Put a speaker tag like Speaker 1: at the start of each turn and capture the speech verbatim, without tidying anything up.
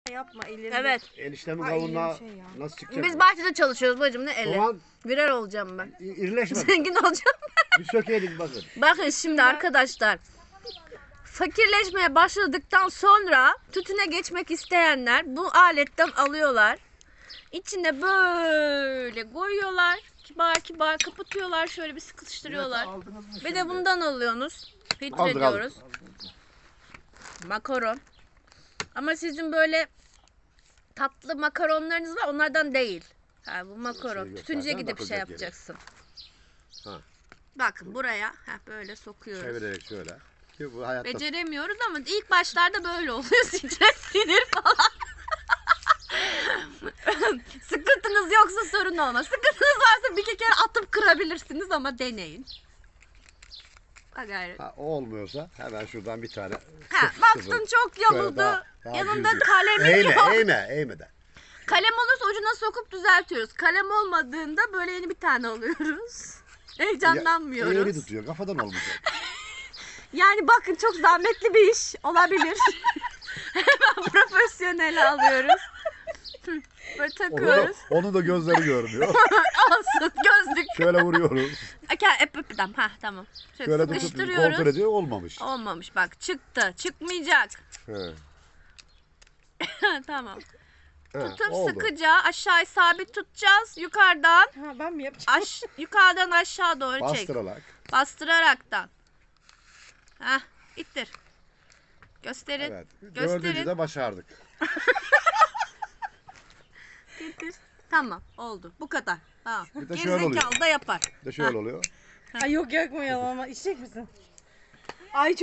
Speaker 1: Yapma elini.
Speaker 2: Evet.
Speaker 3: Eniştemin
Speaker 1: Ay,
Speaker 3: kavunla
Speaker 1: iyi bir şey ya.
Speaker 3: nasıl çıkacak?
Speaker 2: Biz bahçede çalışıyoruz bacım, ne eli.
Speaker 3: Soğan
Speaker 2: Viral olacağım ben.
Speaker 3: i- irileşmedi.
Speaker 2: Zengin olacağım.
Speaker 3: Bir sökeydin bakın.
Speaker 2: Bakın şimdi arkadaşlar. Fakirleşmeye başladıktan sonra tütüne geçmek isteyenler bu aletten alıyorlar. İçine böyle koyuyorlar. Kibar kibar kapatıyorlar. Şöyle bir sıkıştırıyorlar. Bir de bundan alıyorsunuz. Filtre
Speaker 3: Aldık, aldık.
Speaker 2: diyoruz. Makaron. Ama sizin böyle tatlı makaronlarınız var. Onlardan değil. Ha, bu makaron.
Speaker 3: Şey
Speaker 2: Tütüncüye
Speaker 3: göstersen
Speaker 2: gidip şey
Speaker 3: bakılacak yere.
Speaker 2: yapacaksın.
Speaker 3: Ha.
Speaker 2: Bakın buraya heh, böyle sokuyoruz.
Speaker 3: Çevirerek şöyle. Ki bu hayatta
Speaker 2: Beceremiyoruz ama ilk başlarda böyle oluyor. Stres, sinir falan. Sıkıntınız yoksa sorun olmaz. Sıkıntınız varsa bir iki kere atıp kırabilirsiniz ama deneyin. Ha gayret.
Speaker 3: ha, o olmuyorsa hemen şuradan bir tane.
Speaker 2: Ha,
Speaker 3: sıfır,
Speaker 2: baktın
Speaker 3: sıfır.
Speaker 2: çok
Speaker 3: Şöyle
Speaker 2: yamuldu.
Speaker 3: daha- daha
Speaker 2: Yanında
Speaker 3: düzgün.
Speaker 2: kalemin
Speaker 3: Eğme,
Speaker 2: yok.
Speaker 3: eğme, eğme de.
Speaker 2: Kalem olursa ucuna sokup düzeltiyoruz. Kalem olmadığında böyle yeni bir tane alıyoruz. Heyecanlanmıyoruz.
Speaker 3: Eğri tutuyor, kafadan olmayacak.
Speaker 2: Yani bakın çok zahmetli bir iş olabilir. Hemen profesyonel alıyoruz. Hı, böyle
Speaker 3: Onu da,
Speaker 2: takıyoruz.
Speaker 3: onun da gözleri görmüyor.
Speaker 2: Olsun gözlük.
Speaker 3: Şöyle vuruyoruz.
Speaker 2: Akar ep ep tamam. Ha tamam. Şöyle,
Speaker 3: Şöyle tutup
Speaker 2: sıkıştırıyoruz.
Speaker 3: kontrol ediyor, olmamış.
Speaker 2: Olmamış bak, çıktı. Çıkmayacak.
Speaker 3: He.
Speaker 2: Tamam.
Speaker 3: He,
Speaker 2: Tutup
Speaker 3: oldu.
Speaker 2: sıkıca aşağı sabit tutacağız. Yukarıdan
Speaker 1: Ha, ben mi yapacağım?
Speaker 2: aş yukarıdan aşağı doğru çek.
Speaker 3: Bastırarak.
Speaker 2: Bastıraraktan. Heh, ittir. Gösterin.
Speaker 3: Evet.
Speaker 2: Gösterin.
Speaker 3: Dördüncü de başardık.
Speaker 2: İttir. Tamam, oldu. Bu kadar. Tamam.
Speaker 3: Bir de şöyle oluyor.
Speaker 2: Gerizekalı da yapar.
Speaker 3: Bir de şöyle oluyor.
Speaker 1: Ay yok yakmayalım ama içecek misin? Ay